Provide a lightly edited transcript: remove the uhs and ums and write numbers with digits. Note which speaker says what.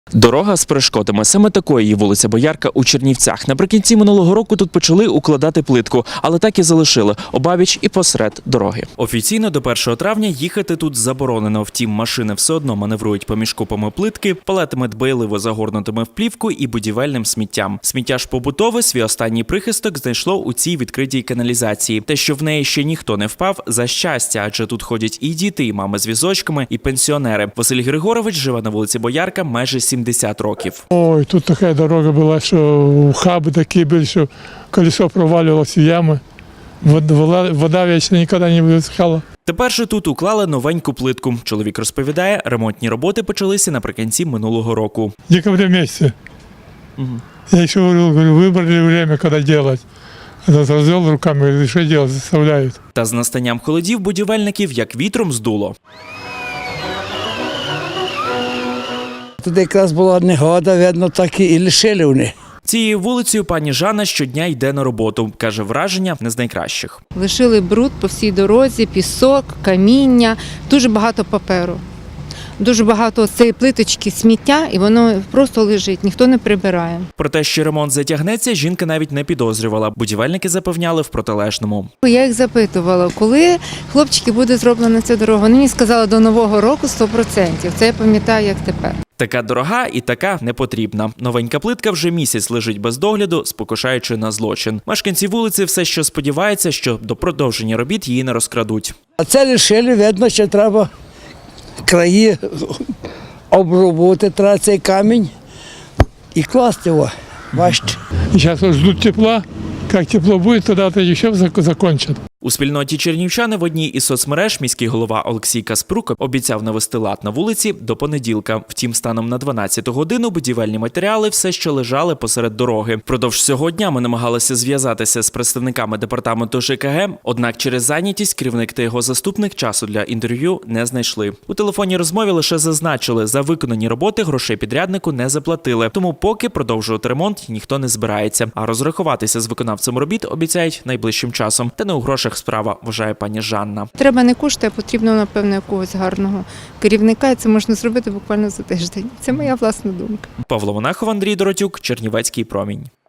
Speaker 1: Дорога з перешкодами. Саме такою є вулиця Боярка у Чернівцях. Наприкінці минулого року тут почали укладати плитку, але так і залишили обабіч і посеред дороги. Офіційно до 1 травня їхати тут заборонено. Втім, машини все одно маневрують поміж купами плитки, палетами дбайливо загорнутими в плівку і будівельним сміттям. Сміття ж побутове свій останній прихисток знайшло у цій відкритій каналізації. Те, що в неї ще ніхто не впав, за щастя, адже тут ходять і діти, і мами з візочками, і пенсіонери. Василь Григорович живе на вулиці Боярка майже 70 років.
Speaker 2: Ой, тут така дорога була, що ухаби такі були, що колесо провалювалося в ями. Вода вічно ніколи не висихала.
Speaker 1: Тепер же тут уклали новеньку плитку. Чоловік розповідає, ремонтні роботи почалися наприкінці минулого року.
Speaker 2: В декабре місяці. Я ще говорю, вибрали время, коли робити. Розвел руками, говорю, що робити, заставляють.
Speaker 1: Та з настанням холодів будівельників як вітром здуло.
Speaker 3: Тут якраз була негода, видно, так і лишили вони.
Speaker 1: Цією вулицею пані Жанна щодня йде на роботу. Каже, враження не з найкращих.
Speaker 4: Лишили бруд по всій дорозі, пісок, каміння, дуже багато паперу. Дуже багато цієї плиточки сміття, і воно просто лежить, ніхто не прибирає.
Speaker 1: Про те, що ремонт затягнеться, жінка навіть не підозрювала. Будівельники запевняли в протилежному.
Speaker 4: Я їх запитувала, коли, хлопчики, буде зроблена ця дорога. Вони мені сказали, до Нового року 100%. Це я пам'ятаю, як тепер.
Speaker 1: Така дорога і така не потрібна. Новенька плитка вже місяць лежить без догляду, спокушаючи на злочин. Мешканці вулиці все ще сподіваються, що до продовження робіт її не розкрадуть.
Speaker 3: А це лишили, видно, що треба краї обробити, треба цей камінь і класти його. Бачите.
Speaker 2: Зараз ждуть тепла. Як тепло буде, тоді ще закінчать.
Speaker 1: У спільноті чернівчани в одній із соцмереж міський голова Олексій Каспрук обіцяв навести лад на вулиці до понеділка. Втім, станом на 12-ту годину будівельні матеріали все ще лежали посеред дороги. Впродовж цього дня ми намагалися зв'язатися з представниками департаменту ЖКГ, однак через зайнятість керівник та його заступник часу для інтерв'ю не знайшли. У телефонній розмові лише зазначили, за виконані роботи грошей підряднику не заплатили, тому поки продовжувати ремонт ніхто не збирається. А розрахуватися з виконавцем робіт обіцяють найближчим часом. Та не у грошах справа, вважає пані Жанна.
Speaker 4: Треба не кошти, а потрібно, напевно, якогось гарного керівника, і це можна зробити буквально за тиждень. Це моя власна думка.
Speaker 1: Павло Монахов, Андрій Доротюк, Чернівецький промінь.